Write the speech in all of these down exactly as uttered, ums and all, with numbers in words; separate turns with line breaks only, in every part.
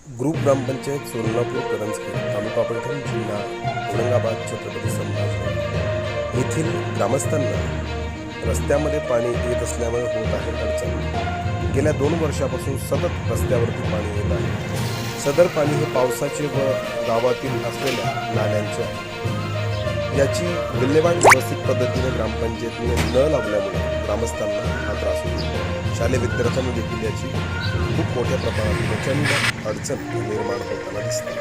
Group gram panchayat Solapur Karanjkhed taluka Paithan जिल्हा औरंगाबाद छत्रपती संभाजी येथील ग्रामस्थांना रस्त्यामध्ये पाणी येत असल्यामुळे होत आहे अडचण। गेल्या दोन वर्षापासून सतत रस्त्यावरती पाणी येत आहे। सदर पाणी हे पावसाचे व गावातील असलेल्या नाल्यांचे आहे। याची विल्हेवाट व्यवस्थित पद्धतीने ग्रामपंचायतीने न लावल्यामुळे ग्रामस्थांना हा त्रास होतो। शालेय विद्यार्थ्यांना देखील याची खूप मोठ्या प्रमाणात प्रचंड अडचण निर्माण होताना दिसते।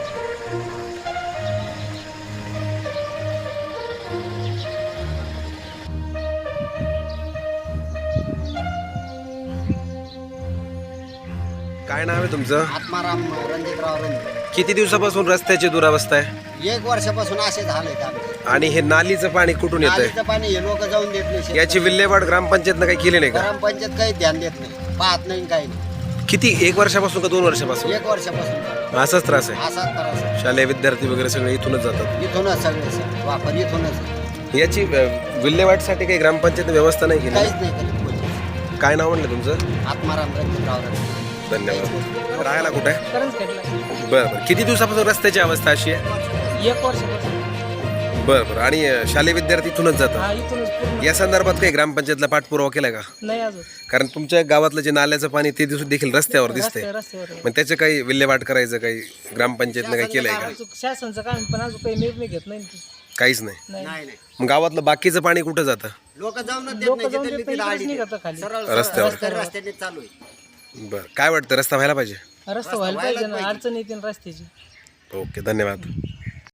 काय नाव आहे तुमचं?
आत्माराम रणजितराव रणजित।
किती दिवसापासून रस्त्याची दुरावस्था आहे?
एक वर्षापासून असे झाले आमचे।
आणि हे नालीचं पाणी कुठून येतंय?
नालीचं पाणी हे लोक जाऊन देत नाही शेतात।
याची विल्हेवाट ग्रामपंचायतनं काही केली नाही का?
ग्रामपंचायत काही ध्यान देत नाही, पाहत नाही, काही नाही।
किती, एक वर्षापासून का दोन वर्षापासून?
एक वर्षापासून
असाच त्रास आहे।
असाच त्रास आहे।
शालेय विद्यार्थी वगैरे सगळे इथूनच जातात।
इथूनच सगळे सर वापर इथूनच।
याची अ, विल्हेवाटसाठी काही ग्रामपंचायत व्यवस्था नाही केली?
काहीच नाही करीत कोणी।
काय नाव म्हणलं तुमचं?
आत्माराम रणजितराव रणजित।
धन्यवाद। राहायला कुठे आहे?
करंजखेडला
बरं बरं। किती दिवसापासून रस्त्याची अवस्था अशी आहे?
एक वर्षापासून।
बरं बरं। आणि अ, शालेय विद्यार्थी इथूनच जातात?
हा, इथूनच पूर्ण.
या संदर्भात काही ग्रामपंचायतला पाठपुरावा केलाय का?
नाही अजून
कारण तुमच्या गावातलं जे नाल्याचं पाणी ते दिवस देखील रस्त्यावर दिसतंय,
रस्त्या- रस्त्यावर आहे.
मग त्याचं काही विल्हेवाट करायचं काही ग्रामपंचायतनं काही केलंय का?
अजून शासनचं काम पण अजून काही निर्णय घेत नाही ती.
काहीच नाही।
नाही
नाही नाही,
मग गावातलं बाकीचं पाणी कुठं जातं?
लोक जाऊन देत
लोक
नाही,
जाऊन
जिथे
देत
तिथे
नाही,
आडी
इकडेच
देत.
निघतं खाली.
सरळ
रस्त्यावर.
रस्त्यावर रस्त्याने चालू आहे।
बरं, काय वाटतं रस्ता व्हायला पाहिजे?
रस्ता व्हायला पाहिजे ना, अडचण येते ना रस्त्याची।
ओके, धन्यवाद।